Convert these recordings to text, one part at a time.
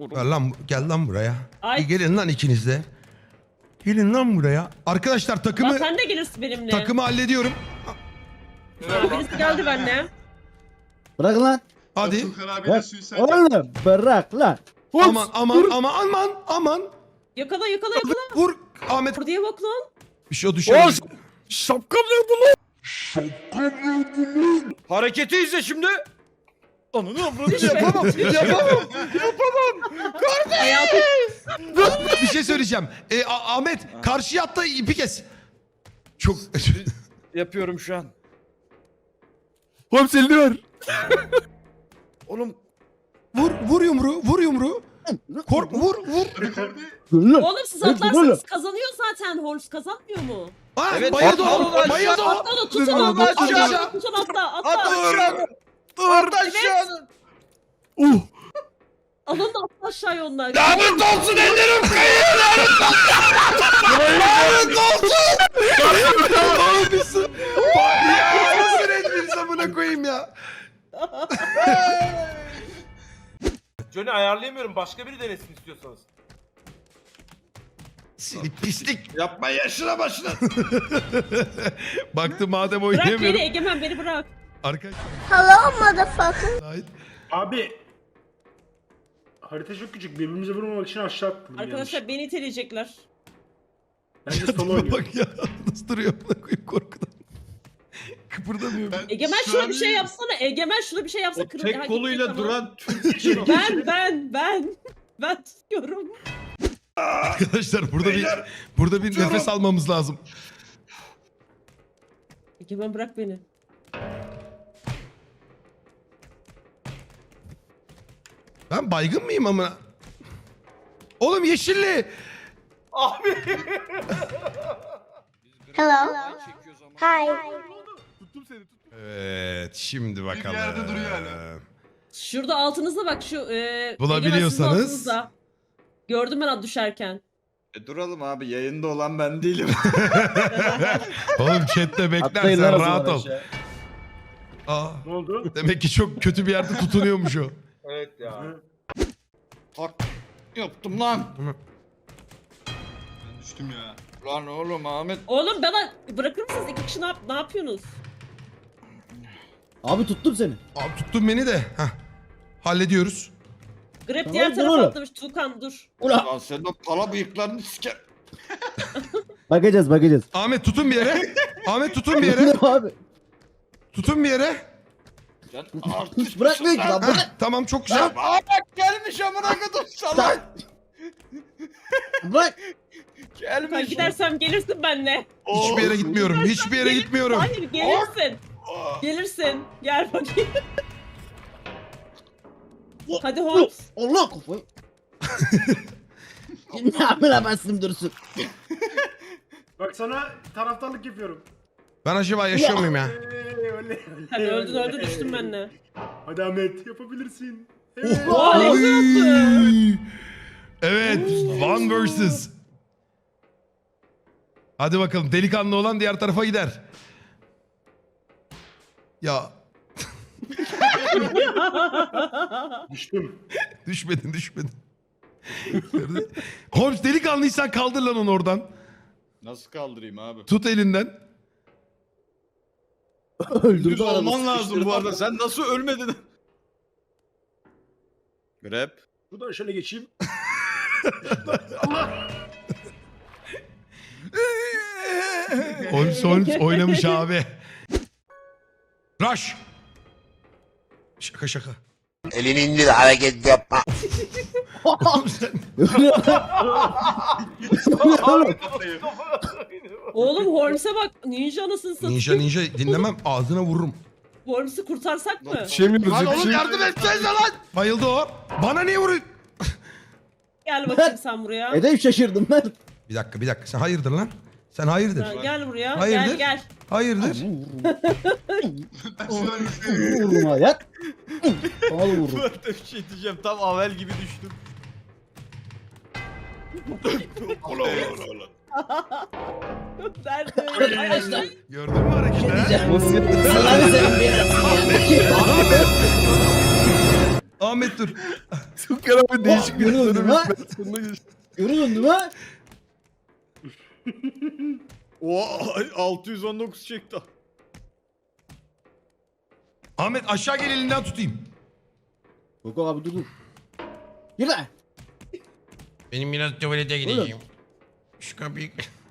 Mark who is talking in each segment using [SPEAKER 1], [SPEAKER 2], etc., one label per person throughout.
[SPEAKER 1] Gel lan buraya.
[SPEAKER 2] Ay.
[SPEAKER 1] Gelin lan ikiniz de. Gelin lan buraya. Arkadaşlar
[SPEAKER 2] Lan
[SPEAKER 1] takımı
[SPEAKER 2] sen de gelirsin benimle.
[SPEAKER 1] hallediyorum.
[SPEAKER 2] Ha, birisi geldi benimle.
[SPEAKER 3] Bırak lan.
[SPEAKER 1] Hadi.
[SPEAKER 4] Tukan abiyle
[SPEAKER 3] Bırak.
[SPEAKER 4] suicide yaptı.
[SPEAKER 3] Oğlum bırak lan.
[SPEAKER 1] Aman.
[SPEAKER 2] Yakala.
[SPEAKER 1] Vur Ahmet.
[SPEAKER 2] Buraya bak lan.
[SPEAKER 1] Bir şey düşer.
[SPEAKER 5] Şapkam nerede lan? Hareketi izle şimdi. Ananı avradını yapamam.
[SPEAKER 2] Hayatım.
[SPEAKER 1] Bir şey söyleyeceğim. Ahmet karşıya at da ipi kes. Çok
[SPEAKER 5] Yapıyorum şu an.
[SPEAKER 1] Holmes elini ver.
[SPEAKER 5] Oğlum
[SPEAKER 1] Vur yumruğu. Vur.
[SPEAKER 3] Dur lan.
[SPEAKER 2] Oğlum siz
[SPEAKER 3] Oğlum.
[SPEAKER 2] atlarsanız kazanıyor zaten. Holmes kazanmıyor mu?
[SPEAKER 5] Evet,
[SPEAKER 1] bayıldı
[SPEAKER 5] atla
[SPEAKER 1] o. Bayıldı o.
[SPEAKER 2] Atla da tutun
[SPEAKER 5] Dur,
[SPEAKER 2] atla.
[SPEAKER 5] aşağı.
[SPEAKER 2] Tutun atla.
[SPEAKER 5] at
[SPEAKER 2] Atla.
[SPEAKER 5] aşağı. At aşağı.
[SPEAKER 2] Alın da atla aşağıya onlar.
[SPEAKER 5] Lanet olsun ellerim kayıyor. Lanet olsun.
[SPEAKER 1] Ya nasıl etmiş amına koyayım ya.
[SPEAKER 6] Johnny ayarlayamıyorum. Başka biri denesin istiyorsanız.
[SPEAKER 1] Seni pislik.
[SPEAKER 5] Yapma yaşına başına.
[SPEAKER 1] Baktım madem
[SPEAKER 2] Bırak beni
[SPEAKER 1] oynayamıyorum.
[SPEAKER 2] Egemen beni bırak.
[SPEAKER 1] Arkadaşlar.
[SPEAKER 7] Hello, motherfucker.
[SPEAKER 8] Abi harita çok küçük. Birbirimize vurmamak için aşağı attım.
[SPEAKER 2] Arkadaşlar beni iteleyecekler.
[SPEAKER 8] Bence solo oynuyor.
[SPEAKER 1] Bak ya nasıl duruyor amına koyayım korkudan. Kıpırdamıyor.
[SPEAKER 4] Ben
[SPEAKER 2] Egemen
[SPEAKER 4] şu
[SPEAKER 2] şuna
[SPEAKER 4] an
[SPEAKER 2] bir şey
[SPEAKER 4] iyiyim.
[SPEAKER 2] yapsana. Egemen şuna bir şey yapsa
[SPEAKER 5] O tek koluyla duran Türk için.
[SPEAKER 2] Ben tutuyorum.
[SPEAKER 1] Arkadaşlar
[SPEAKER 5] Beyler,
[SPEAKER 1] burada bir nefes almamız lazım.
[SPEAKER 2] Egemen bırak beni.
[SPEAKER 1] Ben baygın mıyım amına? Oğlum yeşilli.
[SPEAKER 6] Abi.
[SPEAKER 7] Hello. Hi.
[SPEAKER 1] Evet şimdi bakalım.
[SPEAKER 4] yerde duruyor hala.
[SPEAKER 2] Şurada altınızda bak şu
[SPEAKER 1] Bulabiliyorsanız.
[SPEAKER 2] Egemen sizin altınızda. Gördüm ben düşerken.
[SPEAKER 5] Duralım abi yayında olan ben değilim.
[SPEAKER 1] Oğlum chatte bekler
[SPEAKER 3] Atlayın lan
[SPEAKER 1] sen
[SPEAKER 3] o zaman
[SPEAKER 1] rahat ol.
[SPEAKER 3] aşağı.
[SPEAKER 1] Aa,
[SPEAKER 8] Ne oldu?
[SPEAKER 1] demek ki çok kötü bir yerde tutunuyormuş o.
[SPEAKER 6] Evet ya.
[SPEAKER 5] Hak yaptım lan.
[SPEAKER 4] Ben düştüm ya.
[SPEAKER 5] Lan oğlum Ahmet.
[SPEAKER 2] Oğlum bana bırakır mısınız? İki kişi ne yapıyorsunuz?
[SPEAKER 3] Abi tuttum seni.
[SPEAKER 1] Abi tuttun beni de. Heh. Hallediyoruz.
[SPEAKER 2] Grab
[SPEAKER 3] Tamam,
[SPEAKER 2] diğer
[SPEAKER 3] dur
[SPEAKER 2] tarafa
[SPEAKER 3] oğlum.
[SPEAKER 2] atlamış. Tuğkan dur.
[SPEAKER 3] Ula.
[SPEAKER 5] Lan sen de pala bıyıklarını siker.
[SPEAKER 3] Bakacağız.
[SPEAKER 1] Ahmet tutun bir yere. Ahmet tutun bir yere.
[SPEAKER 3] Abi.
[SPEAKER 1] Tutun bir yere.
[SPEAKER 5] Sen artist
[SPEAKER 3] Bırakmıyor ki lan.
[SPEAKER 1] Heh,
[SPEAKER 3] Bırak.
[SPEAKER 1] tamam çok güzel.
[SPEAKER 5] Ahmet gelmiş amına kadar salak.
[SPEAKER 3] Bırak.
[SPEAKER 2] Ben
[SPEAKER 5] Gelmiş.
[SPEAKER 2] gidersem gelirsin benimle.
[SPEAKER 1] Hiçbir yere gitmiyorum. Hiçbir yere gitmiyorum.
[SPEAKER 2] Hayır gelirsin. Gelirsin. Gel bakayım. Hadi Holmes.
[SPEAKER 3] Allah kafayı. Ne yapayım ben dursun.
[SPEAKER 8] Bak sana taraftarlık yapıyorum.
[SPEAKER 1] Ben acaba yaşıyor muyum ya?
[SPEAKER 8] Oley.
[SPEAKER 2] Sen öldün düştün benimle.
[SPEAKER 8] Hadi Ahmet yapabilirsin.
[SPEAKER 2] Oha ne güzel yaptın.
[SPEAKER 1] Oy! Evet, one versus. Hadi bakalım delikanlı olan diğer tarafa gider. Ya
[SPEAKER 8] Düştüm.
[SPEAKER 1] düşmedin. Holmes delikanlıysan kaldır lan onu oradan.
[SPEAKER 5] Nasıl kaldırayım abi?
[SPEAKER 1] Tut elinden.
[SPEAKER 3] Öldürdü
[SPEAKER 5] Düz
[SPEAKER 3] adamı.
[SPEAKER 5] olman lazım
[SPEAKER 3] sıkıştırdı.
[SPEAKER 5] bu arada. Sen nasıl ölmedin? Grab.
[SPEAKER 8] Şuradan şöyle geçeyim.
[SPEAKER 1] Holmes oynamış abi. Rush. Şaka.
[SPEAKER 9] Elini indir hareket yapma.
[SPEAKER 1] Oğlum sen...
[SPEAKER 2] Oğlum Holmes'e bak. Ninja anasını satayım.
[SPEAKER 1] Ninja dinlemem ağzına vururum.
[SPEAKER 2] Holmes'u kurtarsak mı?
[SPEAKER 5] Lan oğlum yardım etsenize lan.
[SPEAKER 1] Bayıldı o. Bana niye vuruyorsun?
[SPEAKER 2] Gel bakayım sen buraya.
[SPEAKER 3] Edeyim şaşırdım ben.
[SPEAKER 1] Bir dakika. Sen hayırdır lan? Sen hayırdır?
[SPEAKER 2] Sen gel buraya.
[SPEAKER 1] Hayırdır?
[SPEAKER 2] Gel.
[SPEAKER 1] Hayırdır?
[SPEAKER 3] Vururum ayak. Al vururum.
[SPEAKER 5] Ben de bir şey diyeceğim. Tam Avel gibi düştüm.
[SPEAKER 2] Nerede? Arkadaşlar.
[SPEAKER 1] Gördün mü hareketi? ha?
[SPEAKER 3] Allah'ını senin bir
[SPEAKER 1] Ahmet dur.
[SPEAKER 5] Tukan abi değişik bir
[SPEAKER 3] Görüyorum
[SPEAKER 5] dönüm
[SPEAKER 3] ha.
[SPEAKER 5] sonuna geçti.
[SPEAKER 3] Görüyorsun değil mi?
[SPEAKER 5] Oo 619 çekti.
[SPEAKER 1] Ahmet aşağı gel elinden tutayım.
[SPEAKER 3] Yok abi dur dur. Yürü lan.
[SPEAKER 1] Benim biraz tuvalete
[SPEAKER 3] gideceğim.
[SPEAKER 1] Şu kapıyı...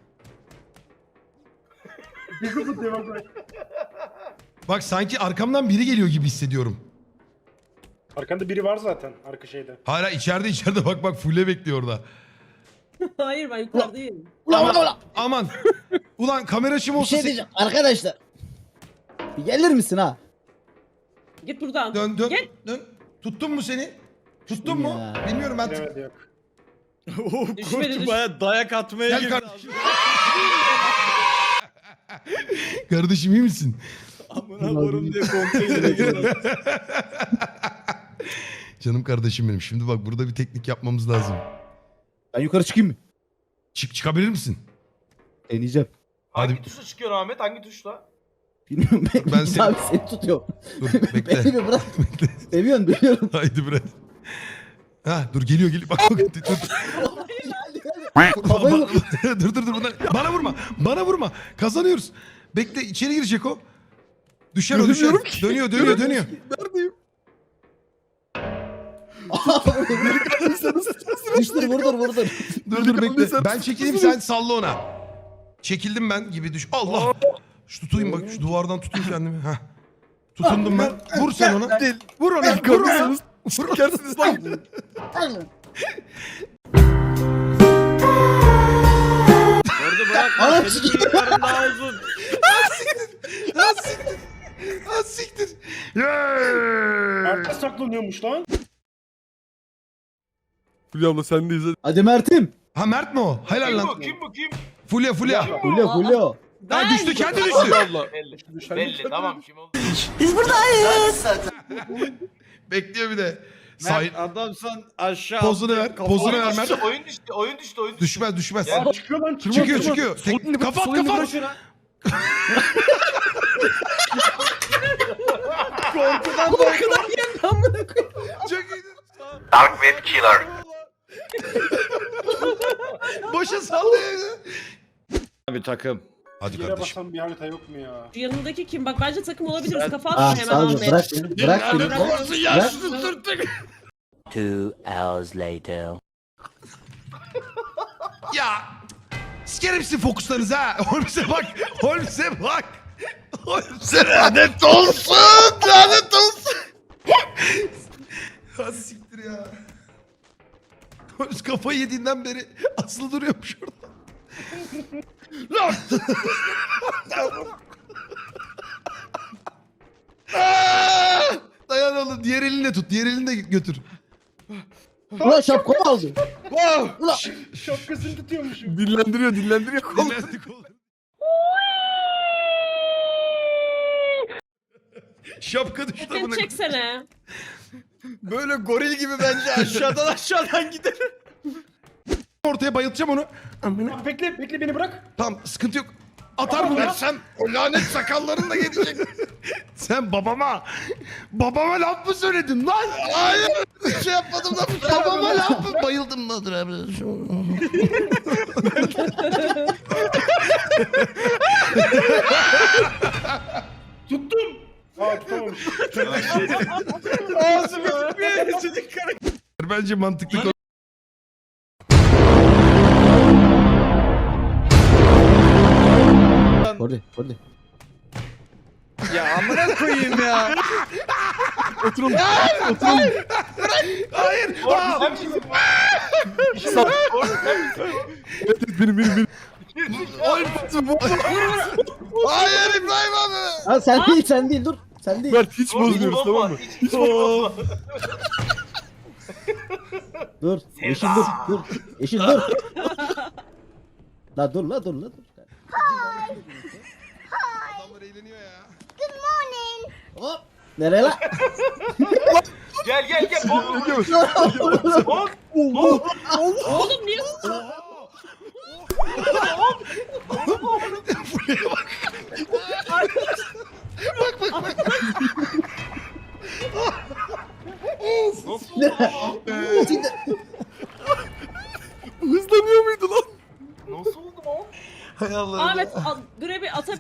[SPEAKER 1] Bak sanki arkamdan biri geliyor gibi hissediyorum.
[SPEAKER 8] Arkanda biri var zaten arka şeyde.
[SPEAKER 1] Hala içeride bak fulle bekliyor orada.
[SPEAKER 2] Hayır ben yukarıdayım.
[SPEAKER 3] Ulan.
[SPEAKER 1] Aman. Ulan kamera açım
[SPEAKER 3] Bir
[SPEAKER 1] olsa...
[SPEAKER 3] şey
[SPEAKER 1] se-
[SPEAKER 3] diyeceğim arkadaşlar. Bir gelir misin ha?
[SPEAKER 2] Git buradan.
[SPEAKER 1] Dön.
[SPEAKER 2] Gel.
[SPEAKER 1] Tuttun mu seni? Tuttun mu?
[SPEAKER 3] Ya.
[SPEAKER 1] Bilmiyorum ben.
[SPEAKER 8] Evet yok.
[SPEAKER 5] Oo
[SPEAKER 2] Düşmedi,
[SPEAKER 5] koçu
[SPEAKER 2] düş-
[SPEAKER 5] baya dayak atmaya
[SPEAKER 1] Gel
[SPEAKER 5] girdi.
[SPEAKER 1] kardeşim. Kardeşim iyi misin?
[SPEAKER 5] Amına korum diye konteynere girdi.
[SPEAKER 1] Canım kardeşim benim. Şimdi bak burada bir teknik yapmamız lazım.
[SPEAKER 3] Ben yukarı çıkayım mı?
[SPEAKER 1] Çıkabilir misin?
[SPEAKER 3] Deneyeceğim.
[SPEAKER 1] Hadi
[SPEAKER 6] Hangi tuşla çıkıyor Ahmet? Hangi tuşla?
[SPEAKER 3] Bilmiyorum ben,
[SPEAKER 1] Ben seni-
[SPEAKER 3] abi seni tutuyorum.
[SPEAKER 1] dur
[SPEAKER 3] Beni
[SPEAKER 1] bekle.
[SPEAKER 3] bir bırak. Seviyorsun biliyorum.
[SPEAKER 1] Haydi biraz. Ha dur geliyor. Bak dur.
[SPEAKER 3] Kafayı vur.
[SPEAKER 1] dur. Bana vurma. Kazanıyoruz. Bekle içeri girecek o. Düşer o düşer.
[SPEAKER 5] Göremiyorum ki.
[SPEAKER 1] Dönüyor.
[SPEAKER 5] Neredeyim?
[SPEAKER 3] Vurdur.
[SPEAKER 1] Dur bekle. Ben çekileyim sen salla ona. Çekildim ben gibi düş. Allah. Şu tutayım bak şu duvardan tutayım kendimi. Heh. Tutundum ben. Vur sen ona.
[SPEAKER 5] Değil.
[SPEAKER 1] Vur ona. Vur ona.
[SPEAKER 5] Kalırsanız sikersiniz lan. Orada bırakma.
[SPEAKER 3] Anam
[SPEAKER 5] Senin bıyıkların daha uzun.
[SPEAKER 1] Ha siktir. Yeah.
[SPEAKER 8] Arka saklanıyormuş lan.
[SPEAKER 5] Fulya abla sendeyiz hadi.
[SPEAKER 3] Hadi Mert'im.
[SPEAKER 1] Ha Mert mi o? Helal
[SPEAKER 6] Kim
[SPEAKER 1] lan.
[SPEAKER 6] bu? Kim bu? Kim?
[SPEAKER 1] Fulya.
[SPEAKER 3] Fulya.
[SPEAKER 1] Ha düştü kendi düştü.
[SPEAKER 5] Abla.
[SPEAKER 6] Belli. Tamam kim oldu?
[SPEAKER 1] Bekliyor bir de. Say
[SPEAKER 5] Mert adamsan aşağı.
[SPEAKER 1] pozunu ver. Pozunu ver Mert.
[SPEAKER 6] Oyun düştü.
[SPEAKER 1] Düşmez.
[SPEAKER 6] Ya,
[SPEAKER 8] Çıkıyor lan.
[SPEAKER 1] Çıkıyor. Kapat.
[SPEAKER 2] Korkudan yerim amına koyayım.
[SPEAKER 1] Çok iyiydi.
[SPEAKER 9] Dark Web Killer.
[SPEAKER 1] Boşa sallıyor.
[SPEAKER 5] Bir takım.
[SPEAKER 1] Hadi
[SPEAKER 8] Yere
[SPEAKER 1] kardeşim.
[SPEAKER 8] basan bir harita yok mu ya?
[SPEAKER 2] Şu yanındaki kim? Bak bence takım olabiliriz. Kafa
[SPEAKER 3] Ah
[SPEAKER 2] atma hemen
[SPEAKER 3] sağ ol.
[SPEAKER 2] Ahmet.
[SPEAKER 3] Bırak beni. Bırak beni. Bırak.
[SPEAKER 9] 2 hours later.
[SPEAKER 1] Ya. Sikerim sizin fokuslarınızı ha. Holmes'e bak. Lanet olsun. Ha siktir ya. Holmes kafayı yediğinden beri asılı duruyormuş orada. Lan. Dayan oğlum. Diğer elinle tut. Diğer elinle götür.
[SPEAKER 3] Ulan şapkamı aldı. Ulan.
[SPEAKER 8] Şapkasını tutuyormuşum.
[SPEAKER 5] Dillendiriyor.
[SPEAKER 1] Dinlendik oğlum. Şapka düştü
[SPEAKER 2] Sen
[SPEAKER 1] buna.
[SPEAKER 2] çeksene.
[SPEAKER 5] Böyle goril gibi bence aşağıdan gider.
[SPEAKER 1] Ortaya bayıltacağım onu.
[SPEAKER 8] Bak bekle beni bırak.
[SPEAKER 1] Tamam sıkıntı yok. Atar mı versem o lanet sakallarınla gelecek. Sen babama laf mı söyledin lan? Hayır bir şey yapmadım lan. Babama laf mı? Bayıldım lan.
[SPEAKER 8] Tuttum. Aa tutamamış.
[SPEAKER 1] Bence mantıklı konu.
[SPEAKER 3] Orada.
[SPEAKER 5] Ya amına koyayım ya. Oturun.
[SPEAKER 1] Hayır.
[SPEAKER 6] Orada sen misin? Orada sen misin?
[SPEAKER 5] Evet benim.
[SPEAKER 1] Hayır İbrahim abi.
[SPEAKER 3] Ha sen değil dur. Sen değil.
[SPEAKER 5] Mert hiç bozmuyoruz
[SPEAKER 6] Hiç
[SPEAKER 5] tamam mı?
[SPEAKER 6] Hiç bozma.
[SPEAKER 3] Dur. Yeşil dur. Yeşil dur. La dur.
[SPEAKER 1] Adamlar eğleniyor ya.
[SPEAKER 3] Hop. Nereye la?
[SPEAKER 6] Gel.
[SPEAKER 2] Oğlum niye?
[SPEAKER 1] Of.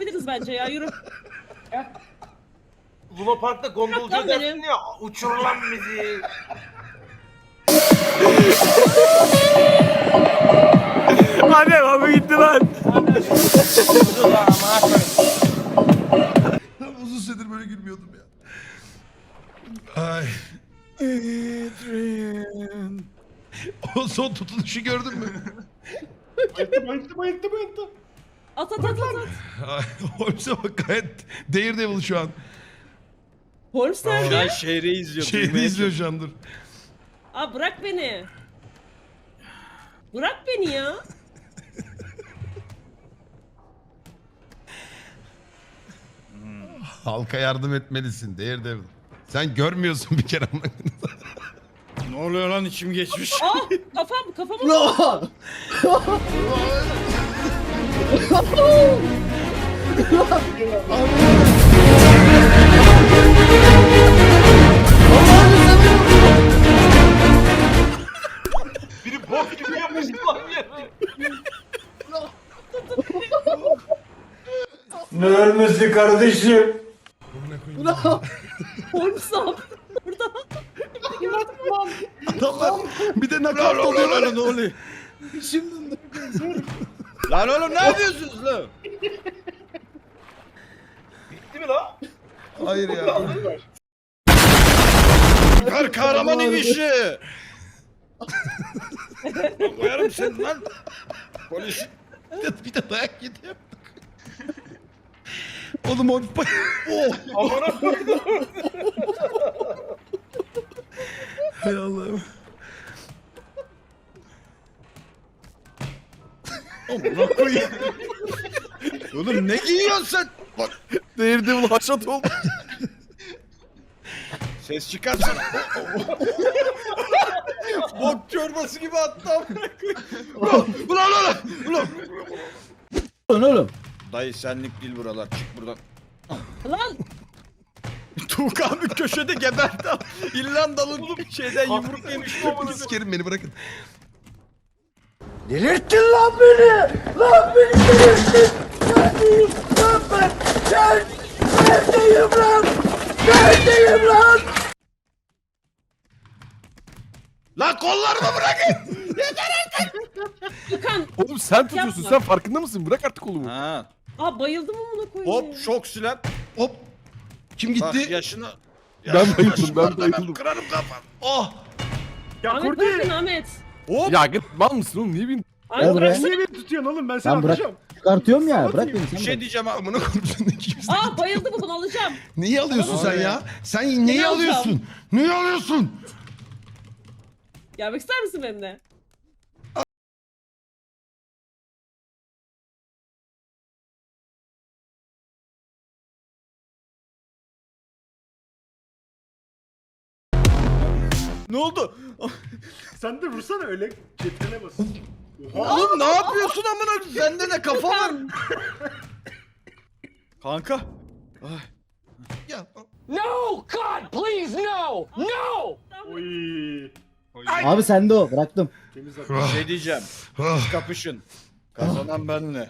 [SPEAKER 2] yapabiliriz bence ya, yürü.
[SPEAKER 6] Luna Park'ta gondolcu
[SPEAKER 2] Bırak lan
[SPEAKER 6] dersin
[SPEAKER 2] beni.
[SPEAKER 6] ya. Uçur lan bizi.
[SPEAKER 5] Hadi abi gitti lan.
[SPEAKER 1] Uzun süredir böyle gülmüyordum ya. Ay. O son tutunuşu gördün mü?
[SPEAKER 8] Bayıldı.
[SPEAKER 2] At.
[SPEAKER 1] Ay, Holmes'e bak gayet Daredevil şu an.
[SPEAKER 2] Holmes nerede?
[SPEAKER 5] Ya şehri izliyor.
[SPEAKER 1] Şeyini
[SPEAKER 5] duymaya
[SPEAKER 1] izliyor şu an dur.
[SPEAKER 2] Aa, bırak beni. Bırak beni ya.
[SPEAKER 1] Halka yardım etmelisin Daredevil. Sen görmüyorsun bir kere.
[SPEAKER 5] Ne oluyor lan, içim geçmiş.
[SPEAKER 2] Aa, kafam.
[SPEAKER 3] Ya!
[SPEAKER 6] Biri bok gibi yapmış lan ya.
[SPEAKER 8] Ne ölmesi kardeşim?
[SPEAKER 2] Holmes ne yapıyor burada?
[SPEAKER 1] Adamlar bir de nakavt oluyorlar.
[SPEAKER 5] Lan ne oluyor?
[SPEAKER 3] Şimdi
[SPEAKER 5] Lan oğlum ne yapıyorsunuz lan?
[SPEAKER 6] Bitti mi lan?
[SPEAKER 1] Hayır ya.
[SPEAKER 5] Süper kahraman inişi. Ben koyarım seni lan. Polis.
[SPEAKER 1] Bir de dayak yedi yaptık. Oğlum o...
[SPEAKER 6] Amına koydum.
[SPEAKER 1] Hay Allah'ım.
[SPEAKER 5] Amına koyayım. Oğlum ne giyiyorsun sen? Bak Daredevil haşat oldu. Ses çıkarsana. Bok çorbası gibi attı amına koyayım. Ulan.
[SPEAKER 3] oğlum.
[SPEAKER 5] Dayı senlik değil buralar, çık buradan.
[SPEAKER 2] Lan
[SPEAKER 5] Tuğka abi köşede geberdi. İrlandalı şeyden yumruk yemiş.
[SPEAKER 1] Sikerim beni bırakın.
[SPEAKER 9] Delirttin lan beni! Lan beni delirttin! Neredeyim lan ben? Neredeyim lan? Neredeyim lan?
[SPEAKER 5] Lan kollarımı bırakın!
[SPEAKER 2] Gökhan.
[SPEAKER 4] Oğlum sen tutuyorsun.
[SPEAKER 2] Yapma.
[SPEAKER 4] Sen farkında mısın? Bırak artık kolumu.
[SPEAKER 5] Ha.
[SPEAKER 2] Aa, bayıldım amına koyayım.
[SPEAKER 5] Hop şok silah.
[SPEAKER 1] Hop. Kim
[SPEAKER 5] Bak
[SPEAKER 1] gitti?
[SPEAKER 5] yaşını.
[SPEAKER 4] Ben bayıldım, ben bayıldım.
[SPEAKER 5] Kırarım kafan.
[SPEAKER 1] Oh.
[SPEAKER 2] Ahmet bırakın Ahmet.
[SPEAKER 5] Hop.
[SPEAKER 4] Ya git mal mısın oğlum? Niye bin?
[SPEAKER 2] Ahmet
[SPEAKER 3] Gel buraya.
[SPEAKER 2] bıraksana.
[SPEAKER 8] Niye beni tutuyorsun oğlum? Ben seni
[SPEAKER 3] Ben bırak.
[SPEAKER 8] atacağım.
[SPEAKER 3] Çıkartıyorum ya. Bırak beni
[SPEAKER 5] Bir
[SPEAKER 3] sen.
[SPEAKER 5] şey
[SPEAKER 3] bırak.
[SPEAKER 5] diyeceğim abi.
[SPEAKER 1] Amına koyayım. Kimse.
[SPEAKER 2] Aa, bayıldı bu, bunu alacağım.
[SPEAKER 1] Neyi alıyorsun sen ya? Sen neyi
[SPEAKER 2] alacağım?
[SPEAKER 1] alıyorsun? Neyi alıyorsun?
[SPEAKER 2] Gelmek ister misin benimle?
[SPEAKER 5] Ne oldu?
[SPEAKER 8] Sen de vursana öyle cetvele bas.
[SPEAKER 5] Oğlum ne yapıyorsun amına? Sende de kafa var. Kanka. Ay.
[SPEAKER 1] Ya.
[SPEAKER 8] Oy.
[SPEAKER 3] Abi sende o. Bıraktım.
[SPEAKER 8] Temiz at.
[SPEAKER 5] Bir şey diyeceğim.
[SPEAKER 1] Ah.
[SPEAKER 5] Kapışın. Kazanan benle.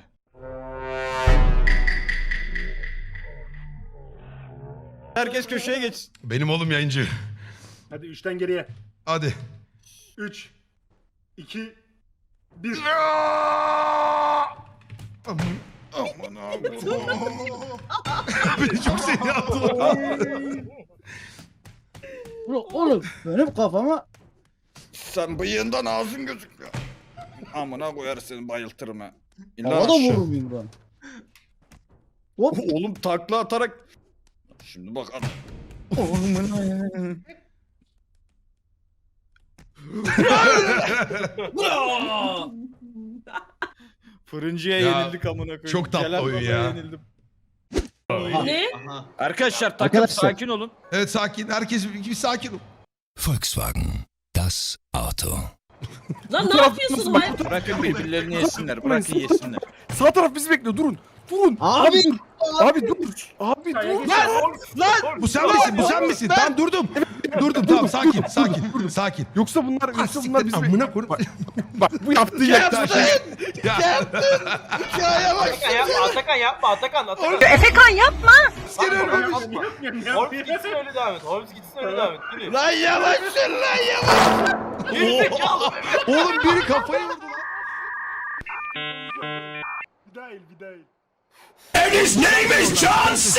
[SPEAKER 5] Herkes köşeye geçsin.
[SPEAKER 1] Benim oğlum yayıncı.
[SPEAKER 8] Hadi 3'ten geriye.
[SPEAKER 1] Hadi.
[SPEAKER 8] 3 2 1.
[SPEAKER 1] Aman.
[SPEAKER 5] Aman abi.
[SPEAKER 1] Beni çok seni attı.
[SPEAKER 3] Oğlum benim kafama.
[SPEAKER 5] Sen bıyığından ağzın gözüküyor. Amına koyar seni, bayıltırım ha. İn lan
[SPEAKER 3] Havada
[SPEAKER 5] aşağı.
[SPEAKER 3] vururum yumruğunu. Hop.
[SPEAKER 5] Oğlum takla atarak. Şimdi bak. Fırıncıya
[SPEAKER 1] Ya,
[SPEAKER 5] yenildik amına koyayım.
[SPEAKER 1] çok tatlı
[SPEAKER 5] Celal
[SPEAKER 1] oyun
[SPEAKER 5] Baba'ya
[SPEAKER 1] ya.
[SPEAKER 5] yenildim.
[SPEAKER 2] Ne?
[SPEAKER 5] Arkadaşlar takım
[SPEAKER 3] Arkadaşlar.
[SPEAKER 5] sakin olun.
[SPEAKER 1] Evet sakin. Herkes bir sakin ol.
[SPEAKER 10] Volkswagen, das Auto.
[SPEAKER 2] Lan ne yapıyorsun? Hayır.
[SPEAKER 5] Bırakın birbirlerini yesinler. Bırakın yesinler.
[SPEAKER 4] Sağ taraf bizi bekliyor. Durun. Durun.
[SPEAKER 3] Abi.
[SPEAKER 4] Abi dur. Abi dur.
[SPEAKER 1] Lan! Bu sen misin? Bu sen misin? Ben durdum. Durdum tamam sakin. Sakin.
[SPEAKER 4] Yoksa bunlar bizi
[SPEAKER 1] Amına koyayım.
[SPEAKER 4] Bak bu yaptığı yaklaşım.
[SPEAKER 1] Ya.
[SPEAKER 5] Hikaye bak.
[SPEAKER 6] Atakan yapma Atakan.
[SPEAKER 2] Efekan yapma.
[SPEAKER 1] Asker ölmemiş.
[SPEAKER 6] Holmes gitsin öyle devam et. Holmes gitsin öyle devam et. Yürü.
[SPEAKER 5] Lan yavaş sür lan yavaş.
[SPEAKER 6] Gerizekalı.
[SPEAKER 1] Oğlum biri kafayı vurdu lan.
[SPEAKER 8] Bir daha el, bir daha el.
[SPEAKER 10] And his name is John C.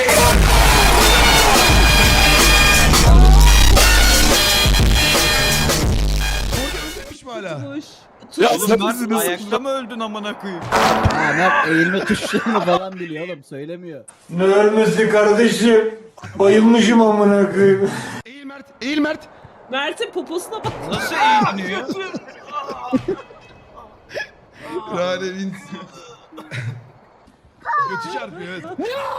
[SPEAKER 1] Ölmemiş mi hala?
[SPEAKER 2] Kuş.
[SPEAKER 4] Ya
[SPEAKER 5] Oğlum
[SPEAKER 4] sen
[SPEAKER 5] Mert
[SPEAKER 4] bizi nasıl...
[SPEAKER 5] ayakta mı öldün amına koyayım?
[SPEAKER 3] Ha Mert eğilme tuşlarını falan biliyor oğlum söylemiyor.
[SPEAKER 9] Ne ölmesi kardeşim? Bayılmışım amına koyayım.
[SPEAKER 1] Eğil Mert.
[SPEAKER 2] Mert'in poposuna bak.
[SPEAKER 5] Nasıl eğleniyor?
[SPEAKER 1] Rane'nin... Götü çarpıyor evet.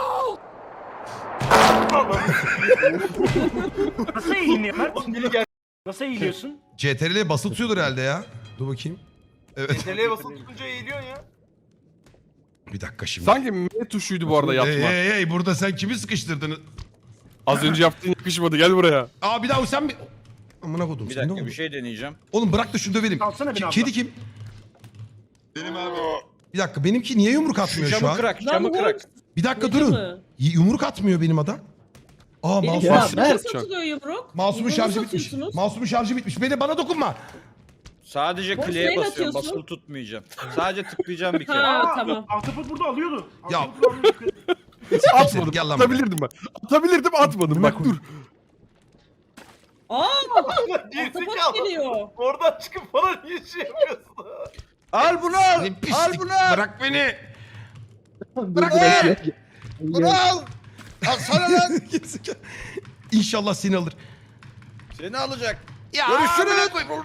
[SPEAKER 8] Nasıl eğiliyor Mert?
[SPEAKER 6] Biri gel.
[SPEAKER 8] Nasıl eğiliyorsun?
[SPEAKER 1] CTRL'ye basılı tutuyordur herhalde ya. Dur bakayım. Evet.
[SPEAKER 6] Tele'ye basıp tutunca eğiliyorsun ya.
[SPEAKER 1] Bir dakika şimdi.
[SPEAKER 4] Sanki M tuşuydu bu arada yapma.
[SPEAKER 1] Hey burada sen kimi sıkıştırdın?
[SPEAKER 4] Az önce yaptığın yakışmadı gel buraya.
[SPEAKER 1] Aa bir daha sen mi? Amına kodum
[SPEAKER 5] Bir
[SPEAKER 1] sen ne
[SPEAKER 5] dakika
[SPEAKER 1] oldu?
[SPEAKER 5] bir şey deneyeceğim.
[SPEAKER 1] Oğlum bırak da şunu dövelim.
[SPEAKER 8] Alsana beni abla.
[SPEAKER 1] Kedi kim?
[SPEAKER 5] Benim abi.
[SPEAKER 1] Bir dakika benimki niye yumruk atmıyor şu
[SPEAKER 5] Camı
[SPEAKER 1] an?
[SPEAKER 5] kırak,
[SPEAKER 2] Lan
[SPEAKER 5] camı
[SPEAKER 2] bu
[SPEAKER 5] kırak.
[SPEAKER 1] Bir dakika
[SPEAKER 2] Ne
[SPEAKER 1] durun.
[SPEAKER 2] camı?
[SPEAKER 1] Yumruk atmıyor benim adam. Aa
[SPEAKER 2] Benim
[SPEAKER 1] masum.
[SPEAKER 3] Ya,
[SPEAKER 2] nasıl
[SPEAKER 3] Mert.
[SPEAKER 2] satılıyor yumruk?
[SPEAKER 1] Masumun
[SPEAKER 2] Yumruğu
[SPEAKER 1] şarjı bitmiş.
[SPEAKER 2] satıyorsunuz.
[SPEAKER 1] Masumun şarjı bitmiş. Bana dokunma.
[SPEAKER 5] Sadece
[SPEAKER 2] Boş
[SPEAKER 5] kliye
[SPEAKER 2] neyle
[SPEAKER 5] basıyorum,
[SPEAKER 2] atıyorsun?
[SPEAKER 5] basılı tutmayacağım. Sadece tıklayacağım bir kere.
[SPEAKER 2] Ha tamam.
[SPEAKER 8] Ahtapot burada alıyordu.
[SPEAKER 1] Ya.
[SPEAKER 8] Ahtapot alıyordu.
[SPEAKER 4] Atmadım.
[SPEAKER 1] Gel lan buraya.
[SPEAKER 4] Atabilirdim ben. Atabilirdim atmadım. Bak dur.
[SPEAKER 2] Aa!
[SPEAKER 6] Gerizekalı.
[SPEAKER 2] Ahtapot geliyor.
[SPEAKER 6] Oradan çıkıp bana niye şey yapıyorsun?
[SPEAKER 5] Al bunu al.
[SPEAKER 1] Ne
[SPEAKER 5] Al
[SPEAKER 1] pislik.
[SPEAKER 5] bunu al.
[SPEAKER 1] Bırak beni.
[SPEAKER 3] Bırak
[SPEAKER 5] Bunu al. Al sana lan.
[SPEAKER 1] Gerizekalı. İnşallah seni alır.
[SPEAKER 5] Seni alacak.
[SPEAKER 1] Ya
[SPEAKER 5] Görüşürüz.
[SPEAKER 1] amına koyayım.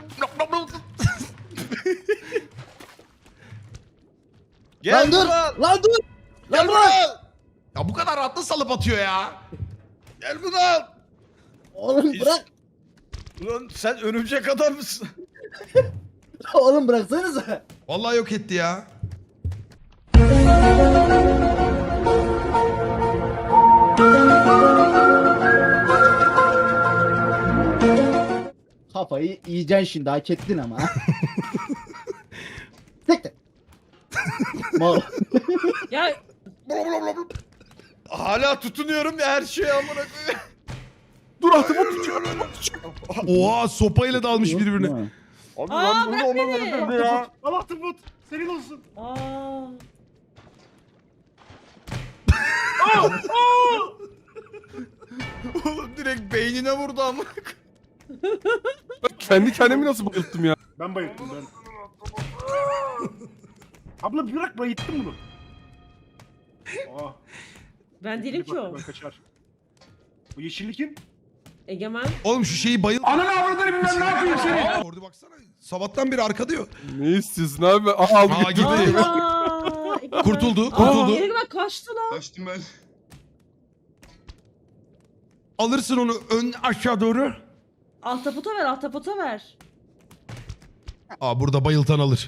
[SPEAKER 5] Gel
[SPEAKER 3] Lan dur.
[SPEAKER 5] bunu al.
[SPEAKER 3] Lan dur.
[SPEAKER 5] Gel
[SPEAKER 3] Lan
[SPEAKER 5] bunu
[SPEAKER 3] bırak.
[SPEAKER 5] al.
[SPEAKER 1] Ya bu kadar rahatla salıp atıyor ya.
[SPEAKER 5] Gel bunu al.
[SPEAKER 3] Oğlum bırak.
[SPEAKER 5] Ulan sen örümcek adam mısın?
[SPEAKER 3] Oğlum bıraksanıza.
[SPEAKER 1] Vallahi yok etti ya.
[SPEAKER 3] Kafayı yiyeceksin şimdi hak ettin ama. Tek tek. Mal.
[SPEAKER 2] Ya
[SPEAKER 5] Hala tutunuyorum ya her şeye amına koyayım.
[SPEAKER 4] Dur atıma tutuyor.
[SPEAKER 1] Oha sopayla dalmış birbirine.
[SPEAKER 4] Abi
[SPEAKER 2] Aa,
[SPEAKER 4] ben burada
[SPEAKER 2] bırak beni.
[SPEAKER 4] olamadım ya.
[SPEAKER 8] Al Ahtapot. Senin olsun.
[SPEAKER 2] aa.
[SPEAKER 5] Oğlum direkt beynine vurdu amına koyayım.
[SPEAKER 4] Kendi kendimi nasıl bayılttım ya?
[SPEAKER 8] Ben bayıldım ben. Abla bırak bayılttım bunu. Aa,
[SPEAKER 2] Ben değilim ki o.
[SPEAKER 8] ben kaçar. Bu yeşilli kim?
[SPEAKER 2] Egemen.
[SPEAKER 1] Oğlum şu şeyi bayıl...
[SPEAKER 9] Ananı avradını bilmem ne yapayım seni.
[SPEAKER 1] Orada baksana. Sabahtan beri arka diyor.
[SPEAKER 4] Ne istiyorsun abi? Aa aldı
[SPEAKER 1] Aa,
[SPEAKER 4] gitti.
[SPEAKER 1] gitti.
[SPEAKER 2] Aa, Egemen.
[SPEAKER 1] Kurtuldu,
[SPEAKER 2] Aa,
[SPEAKER 1] kurtuldu.
[SPEAKER 2] Egemen kaçtı lan.
[SPEAKER 5] Kaçtım ben.
[SPEAKER 1] Alırsın onu ön aşağı doğru.
[SPEAKER 2] Ahtapota ver, ahtapota ver.
[SPEAKER 1] Aa burada bayıltan alır.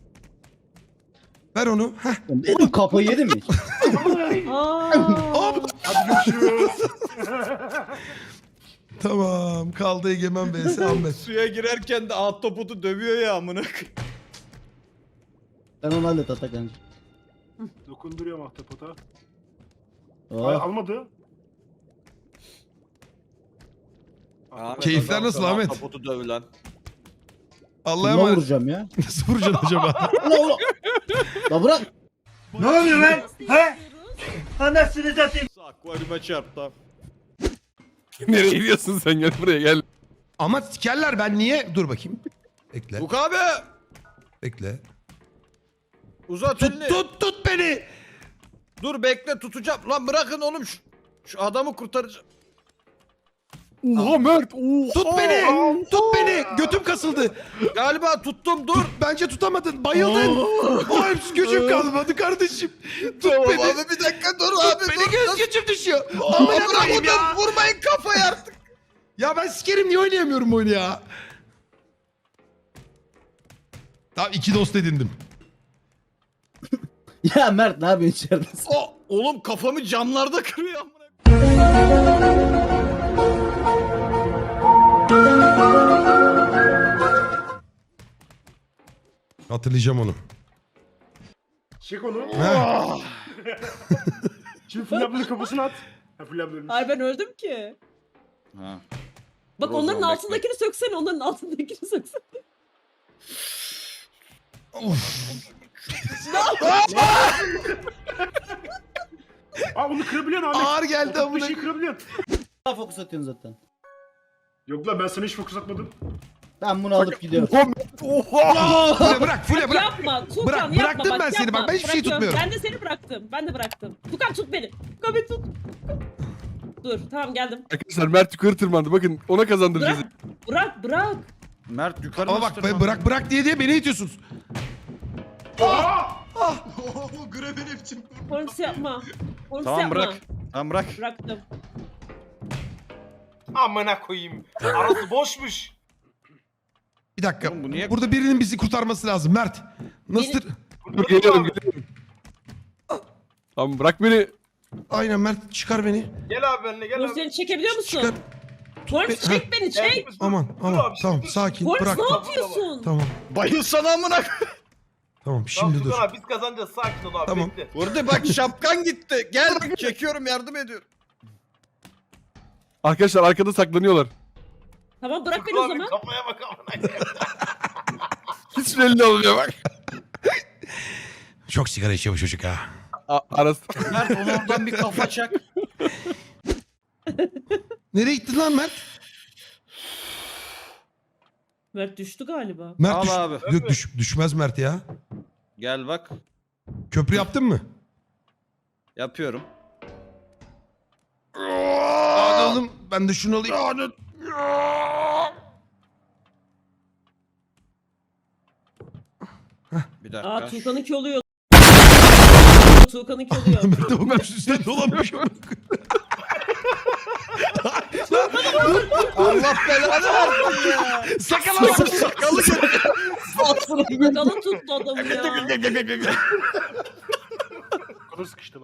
[SPEAKER 1] Ver onu. Heh.
[SPEAKER 3] Benim kafayı yedim mi?
[SPEAKER 2] Aa.
[SPEAKER 8] Hadi görüşürüz.
[SPEAKER 1] Tamam kaldı Egemen vs Ahmet.
[SPEAKER 5] Suya girerken de ahtapotu dövüyor ya amına koyayım.
[SPEAKER 3] Sen onu hallet Atakan'cığım.
[SPEAKER 8] Dokunduruyorum Ahtapot'a. Ay,
[SPEAKER 3] Oh.
[SPEAKER 8] almadı.
[SPEAKER 5] Ahmet,
[SPEAKER 1] Keyifler
[SPEAKER 5] adam
[SPEAKER 1] nasıl
[SPEAKER 5] sana
[SPEAKER 1] Ahmet?
[SPEAKER 5] Ahtapotu döv lan.
[SPEAKER 1] Allah'a
[SPEAKER 3] Kime
[SPEAKER 1] emanet.
[SPEAKER 3] vuracağım ya?
[SPEAKER 1] Nasıl vuracaksın acaba?
[SPEAKER 3] La bırak.
[SPEAKER 9] Ne oluyor lan? He? Anasını satayım.
[SPEAKER 5] Akvaryuma çarptı.
[SPEAKER 4] Nereye gidiyorsun sen gel buraya gel.
[SPEAKER 1] Ama sikerler ben niye? Dur bakayım. Bekle.
[SPEAKER 5] Buk abi.
[SPEAKER 1] Bekle.
[SPEAKER 5] Uzat
[SPEAKER 1] Tut
[SPEAKER 5] elini.
[SPEAKER 1] tut beni.
[SPEAKER 5] Dur bekle tutacağım. Lan bırakın oğlum şu adamı kurtaracağım.
[SPEAKER 4] Oha Mert. Oha.
[SPEAKER 1] Tut beni. Tut beni. Götüm kasıldı.
[SPEAKER 5] Galiba tuttum dur.
[SPEAKER 1] Bence tutamadın. Bayıldın. Oğlum gücüm kalmadı kardeşim. Tut
[SPEAKER 5] Tamam
[SPEAKER 1] beni.
[SPEAKER 5] abi bir dakika dur abi
[SPEAKER 1] Beni
[SPEAKER 5] dur.
[SPEAKER 1] göz gücüm düşüyor.
[SPEAKER 5] Amına
[SPEAKER 1] Amına koyayım ya.
[SPEAKER 5] koydum vurmayın kafayı artık.
[SPEAKER 1] Ya ben sikerim niye oynayamıyorum bu oyunu ya? Tamam 2 dost edindim.
[SPEAKER 3] Ya Mert ne yapıyorsun içeride?
[SPEAKER 5] Oğlum kafamı camlarda kırıyor amına.
[SPEAKER 1] Hatırlayacağım onu.
[SPEAKER 8] Çek onu.
[SPEAKER 1] Ha.
[SPEAKER 8] Şimdi Fulya ablanın kafasına at. Ha Fulya abla ölmüş.
[SPEAKER 2] Ay ben öldüm ki.
[SPEAKER 5] Ha.
[SPEAKER 2] Bak
[SPEAKER 5] Dur o
[SPEAKER 2] onların
[SPEAKER 5] zaman,
[SPEAKER 2] altındakini söksene, onların altındakini söksene.
[SPEAKER 8] Aa onu kırabiliyorsun Ahmet.
[SPEAKER 1] Ağır geldi
[SPEAKER 8] Bir
[SPEAKER 1] amına.
[SPEAKER 8] şey kırabiliyorsun.
[SPEAKER 3] Daha fokus atıyorsun zaten.
[SPEAKER 8] Yok lan ben sana hiç fokus atmadım.
[SPEAKER 3] Ben bunu alıp gidiyorum.
[SPEAKER 1] Fulya bırak, Fulya bırak.
[SPEAKER 2] Yapma Tukan
[SPEAKER 1] Bırak,
[SPEAKER 2] yapma.
[SPEAKER 1] bıraktım
[SPEAKER 2] bak,
[SPEAKER 1] ben seni,
[SPEAKER 2] yapma.
[SPEAKER 1] bak ben hiçbir şey
[SPEAKER 2] Bırakıyorum.
[SPEAKER 1] tutmuyorum.
[SPEAKER 2] Ben de seni bıraktım. Ben de bıraktım. Tukan tut beni. Tukan beni tut. Dur tamam geldim.
[SPEAKER 4] Arkadaşlar Mert yukarı tırmandı. Bakın ona kazandıracağız.
[SPEAKER 2] Bırak.
[SPEAKER 5] Mert yukarı
[SPEAKER 1] Ama
[SPEAKER 5] nasıl
[SPEAKER 1] bak bırak bırak diye beni itiyorsunuz.
[SPEAKER 2] Polis yapma. Polis
[SPEAKER 5] Tamam
[SPEAKER 2] yapma.
[SPEAKER 5] bırak. Tamam bırak.
[SPEAKER 2] Bıraktım.
[SPEAKER 6] Amına koyayım. Arası boşmuş.
[SPEAKER 1] Bir dakika.
[SPEAKER 5] Oğlum bu niye-
[SPEAKER 1] Burada birinin bizi kurtarması lazım. Mert. Nasıl?
[SPEAKER 2] Beni-
[SPEAKER 4] Dur geliyorum. Tamam bırak beni.
[SPEAKER 1] Aynen Mert çıkar beni.
[SPEAKER 6] Gel abi benimle gel
[SPEAKER 2] Polis
[SPEAKER 6] abi.
[SPEAKER 2] seni çekebiliyor
[SPEAKER 1] Çıkar.
[SPEAKER 2] musun? Polis
[SPEAKER 1] beni.
[SPEAKER 2] çek beni çek.
[SPEAKER 1] Aman
[SPEAKER 6] Dur
[SPEAKER 1] aman
[SPEAKER 6] abi,
[SPEAKER 1] tamam
[SPEAKER 6] dur,
[SPEAKER 1] tamam
[SPEAKER 6] dur.
[SPEAKER 1] sakin
[SPEAKER 2] Polis
[SPEAKER 1] bırak.
[SPEAKER 2] ne yapıyorsun?
[SPEAKER 1] Tamam
[SPEAKER 5] Bayılsana amına.
[SPEAKER 1] tamam şimdi dur.
[SPEAKER 6] Tukan abi biz kazanacağız. Sakin ol abi.
[SPEAKER 1] Tamam.
[SPEAKER 6] Bekle.
[SPEAKER 5] Burada bak şapkan gitti. Gel çekiyorum yardım ediyorum.
[SPEAKER 4] Arkadaşlar arkada saklanıyorlar.
[SPEAKER 2] Tamam bırak beni
[SPEAKER 6] Tukan
[SPEAKER 2] o
[SPEAKER 6] abi
[SPEAKER 2] zaman.
[SPEAKER 6] kafaya bak amına koyayım.
[SPEAKER 4] Hiç belli olmuyor bak.
[SPEAKER 1] Çok sigara içiyor bu çocuk ha.
[SPEAKER 4] Arası.
[SPEAKER 5] Mert onu oradan bir kafa çak.
[SPEAKER 1] Nereye gittin lan Mert?
[SPEAKER 2] Mert düştü galiba.
[SPEAKER 1] Mert
[SPEAKER 5] Al abi.
[SPEAKER 1] Yok, düşmez Mert ya.
[SPEAKER 5] Gel bak.
[SPEAKER 1] Köprü yaptın mı?
[SPEAKER 5] Yapıyorum.
[SPEAKER 1] Hadi oğlum ben de şunu alayım.
[SPEAKER 5] Bir dakika.
[SPEAKER 2] Aa Tuğkan'ınki oluyor. Tuğkan'ınki oluyor.
[SPEAKER 1] Mert de bakmış üstüne dolanmış.
[SPEAKER 5] Allah belanı versin ya.
[SPEAKER 1] Sakala.
[SPEAKER 5] Sakalı
[SPEAKER 2] Tuğkan'ı tuttu adamı ya.
[SPEAKER 8] Kadar sıkıştı.